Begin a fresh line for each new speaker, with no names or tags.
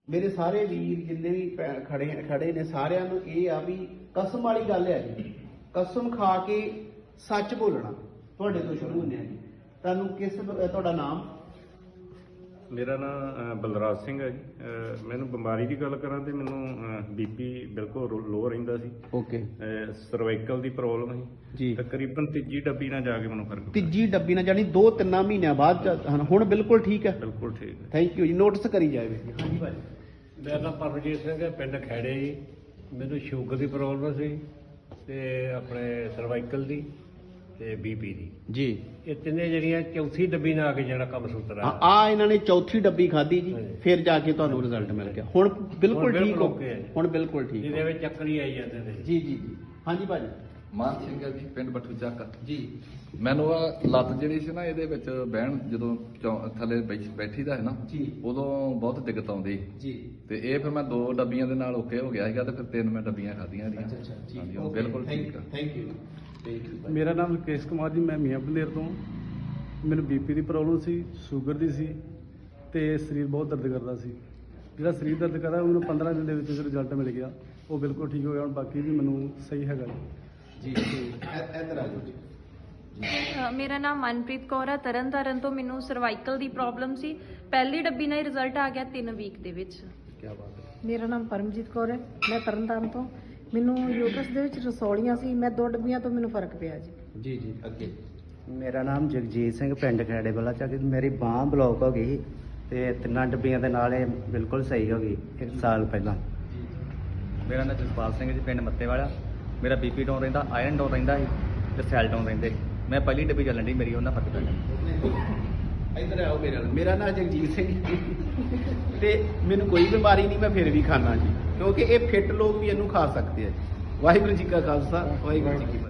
ਮੇਰੇ ਸਾਰੇ ਵੀਰ ਜਿੰਨੇ ਵੀ ਖੜੇ ਨੇ ਸਾਰਿਆਂ ਨੂੰ ਇਹ ਆ ਵੀ ਕਸਮ ਵਾਲੀ ਗੱਲ ਹੈ ਜੀ। ਕਸਮ ਖਾ ਕੇ ਸੱਚ ਬੋਲਣਾ। ਤੁਹਾਡੇ ਤੋਂ ਸ਼ੁਰੂ ਹੁੰਦੇ ਆ ਜੀ। ਤੁਹਾਨੂੰ ਤੁਹਾਡਾ ਨਾਮ?
ਮੇਰਾ ਨਾਮ ਬਲਰਾਜ ਸਿੰਘ ਹੈ ਜੀ। ਮੈਨੂੰ ਬਿਮਾਰੀ ਦੀ ਗੱਲ ਕਰਾਂ ਤੇ ਮੈਨੂੰ ਬੀਪੀ ਬਿਲਕੁਲ ਲੋ ਰਹਿੰਦਾ ਸੀ।
ਓਕੇ।
ਸਰਵਾਈਕਲ ਦੀ ਪ੍ਰੋਬਲਮ ਸੀ
ਜੀ।
ਤਕਰੀਬਨ ਤੀਜੀ ਡੱਬੀ ਨਾਲ ਜਾ ਕੇ ਮੈਨੂੰ ਫਰਕ ਪਿਆ।
ਤੀਜੀ ਡੱਬੀ ਨਾਲ ਜਾਨੀ 2-3 ਮਹੀਨਿਆਂ ਬਾਅਦ ਹੁਣ ਬਿਲਕੁਲ ਠੀਕ ਹੈ।
ਬਿਲਕੁਲ ਠੀਕ ਹੈ।
ਥੈਂਕ ਯੂ ਜੀ। ਨੋਟਿਸ ਕਰੀ ਜਾਵੇ। ਹਾਂਜੀ ਭਾਈ।
ਮੇਰਾ ਨਾਮ ਪਰਮਜੀਤ ਸਿੰਘ ਹੈ, ਪਿੰਡ ਖੈੜੇ ਜੀ। ਮੈਨੂੰ ਸ਼ੂਗਰ ਦੀ ਪ੍ਰੋਬਲਮ ਸੀ ਤੇ ਆਪਣੇ ਸਰਵਾਈਕਲ ਦੀ ਤੇ ਬੀਪੀ ਦੀ
ਜੀ।
ਇਹ ਤਿੰਨੇ ਜਿਹੜੀਆਂ ਚੌਥੀ ਡੱਬੀ ਨਾਲ ਆ ਕੇ ਜਿਹੜਾ ਕੰਮ ਸੂਤਰ
ਆ ਇਹਨਾਂ ਨੇ ਚੌਥੀ ਡੱਬੀ ਖਾਧੀ ਜੀ। ਫਿਰ ਜਾ ਕੇ ਤੁਹਾਨੂੰ ਰਿਜ਼ਲਟ ਮਿਲ ਗਿਆ। ਹੁਣ ਬਿਲਕੁਲ ਠੀਕ ਹੋ। ਹੁਣ ਬਿਲਕੁਲ ਠੀਕ।
ਜਿਹਦੇ ਵਿੱਚ ਚੱਕਰ ਹੀ ਆਈ ਜਾਂਦੇ ਨੇ।
ਜੀ ਜੀ ਜੀ। ਹਾਂਜੀ ਭਾਜੀ।
ਮਾਨ ਸਿੰਘ ਹੈ ਜੀ, ਪਿੰਡ ਬੱਠੂ ਚੱਕ
ਜੀ।
ਮੈਨੂੰ ਆ ਲੱਤ ਜਿਹੜੀ ਸੀ ਨਾ ਇਹਦੇ ਵਿੱਚ ਬਹਿਣ ਜਦੋਂ ਥੱਲੇ ਬੈਠੀ ਦਾ ਹੈ ਨਾ
ਜੀ।
ਉਦੋਂ ਬਹੁਤ ਦਿੱਕਤ ਆਉਂਦੀ
ਜੀ।
ਤੇ ਇਹ ਫਿਰ ਮੈਂ 2 ਡੱਬੀਆਂ ਦੇ ਨਾਲ ਓਕੇ ਹੋ ਗਿਆ ਸੀਗਾ ਤੇ ਫਿਰ 3 ਮੈਂ ਡੱਬੀਆਂ ਖਾਧੀਆਂ ਦੀਆਂ।
ਅੱਛਾ ਜੀ।
ਹਾਂਜੀ, ਉਹ ਬਿਲਕੁਲ ਠੀਕ ਆ।
Thank you.
ਮੇਰਾ ਨਾਮ ਰਕੇਸ਼ ਕੁਮਾਰ ਜੀ, ਮੈਂ ਮੀਆਂ ਬਲੇਰ ਤੋਂ। ਮੈਨੂੰ ਬੀਪੀ ਦੀ ਪ੍ਰੋਬਲਮ ਸੀ, ਸ਼ੂਗਰ ਦੀ ਸੀ ਤੇ ਸਰੀਰ ਬਹੁਤ ਦਰਦ ਕਰਦਾ ਸੀ। ਜਿਹੜਾ ਸਰੀਰ ਦਰਦ ਕਰਦਾ ਮੈਨੂੰ 15 ਦਿਨ ਦੇ ਵਿੱਚ ਰਿਜ਼ਲਟ ਮਿਲ ਗਿਆ। ਉਹ ਬਿਲਕੁਲ ਠੀਕ ਹੋ ਗਿਆ। ਹੁਣ ਬਾਕੀ ਵੀ ਮੈਨੂੰ ਸਹੀ ਹੈਗਾ
ਜੀ। ਇੱਧਰ ਆ ਜਾਓ ਜੀ।
ਮੇਰਾ ਨਾਮ ਮਨਪ੍ਰੀਤ ਕੌਰ ਹੈ, ਤਰਨਤਾਰਨ ਤੋਂ। ਮੈਨੂੰ ਸਰਵਾਈਕਲ ਦੀ ਪ੍ਰੋਬਲਮ ਸੀ। ਪਹਿਲੀ ਡੱਬੀ ਨਾਲ ਹੀ ਰਿਜ਼ਲਟ ਆ ਗਿਆ 3 ਵੀਕ ਦੇ ਵਿੱਚ।
ਕੀ ਬਾਤ ਹੈ।
ਮੇਰਾ ਨਾਮ ਪਰਮਜੀਤ ਕੌਰ ਹੈ, ਮੈਂ ਤਰਨਤਾਰਨ ਤੋਂ। ਮੈਨੂੰ ਯੂਟਰਸ ਦੇ ਵਿੱਚ ਰਸੌਲੀਆਂ ਸੀ, ਮੈਂ 2 ਡੱਬੀਆਂ ਤੋਂ ਮੈਨੂੰ ਫਰਕ ਪਿਆ ਜੀ।
ਜੀ ਜੀ। ਅੱਗੇ।
ਮੇਰਾ ਨਾਮ ਜਗਜੀਤ ਸਿੰਘ, ਪਿੰਡ ਖੈੜੇ ਵਾਲਾ ਚੱਕ। ਮੇਰੀ ਬਾਂਹ ਬਲੌਕ ਹੋ ਗਈ ਤੇ 3 ਡੱਬੀਆਂ ਦੇ ਨਾਲ ਇਹ ਬਿਲਕੁਲ ਸਹੀ ਹੋ ਗਈ 1 ਸਾਲ ਪਹਿਲਾਂ। ਮੇਰਾ ਨਾਮ ਜਸਪਾਲ ਸਿੰਘ ਜੀ, ਪਿੰਡ ਮੱਤੇ ਵਾਲਾ। ਮੇਰਾ ਬੀਪੀ ਡਾਊਨ ਰਹਿੰਦਾ, ਆਇਰਨ ਡਾਊਨ ਰਹਿੰਦਾ ਸੀ ਤੇ ਸੈੱਲ ਡਾਊਨ ਰਹਿੰਦੇ। ਮੈਂ ਪਹਿਲੀ ਡੱਬੀ ਚੱਲਣ ਦੀ ਮੇਰੀ ਉਹਨਾਂ ਫਰਕ ਪੈ ਗਿਆ।
ਇੱਧਰ ਆਓ ਮੇਰੇ ਨਾਲ। ਮੇਰਾ ਨਾਮ ਜਗਜੀਤ ਸਿੰਘ ਤੇ ਮੈਨੂੰ ਕੋਈ ਬਿਮਾਰੀ ਨਹੀਂ, ਮੈਂ ਫਿਰ ਵੀ ਖਾਣਾ ਜੀ, ਕਿਉਂਕਿ ਇਹ ਫਿੱਟ ਲੋਕ ਵੀ ਇਹਨੂੰ ਖਾ ਸਕਦੇ ਆ ਜੀ। ਵਾਹਿਗੁਰੂ ਜੀ ਕਾ ਖਾਲਸਾ, ਵਾਹਿਗੁਰੂ ਜੀ ਕੀ ਫਤਿਹ।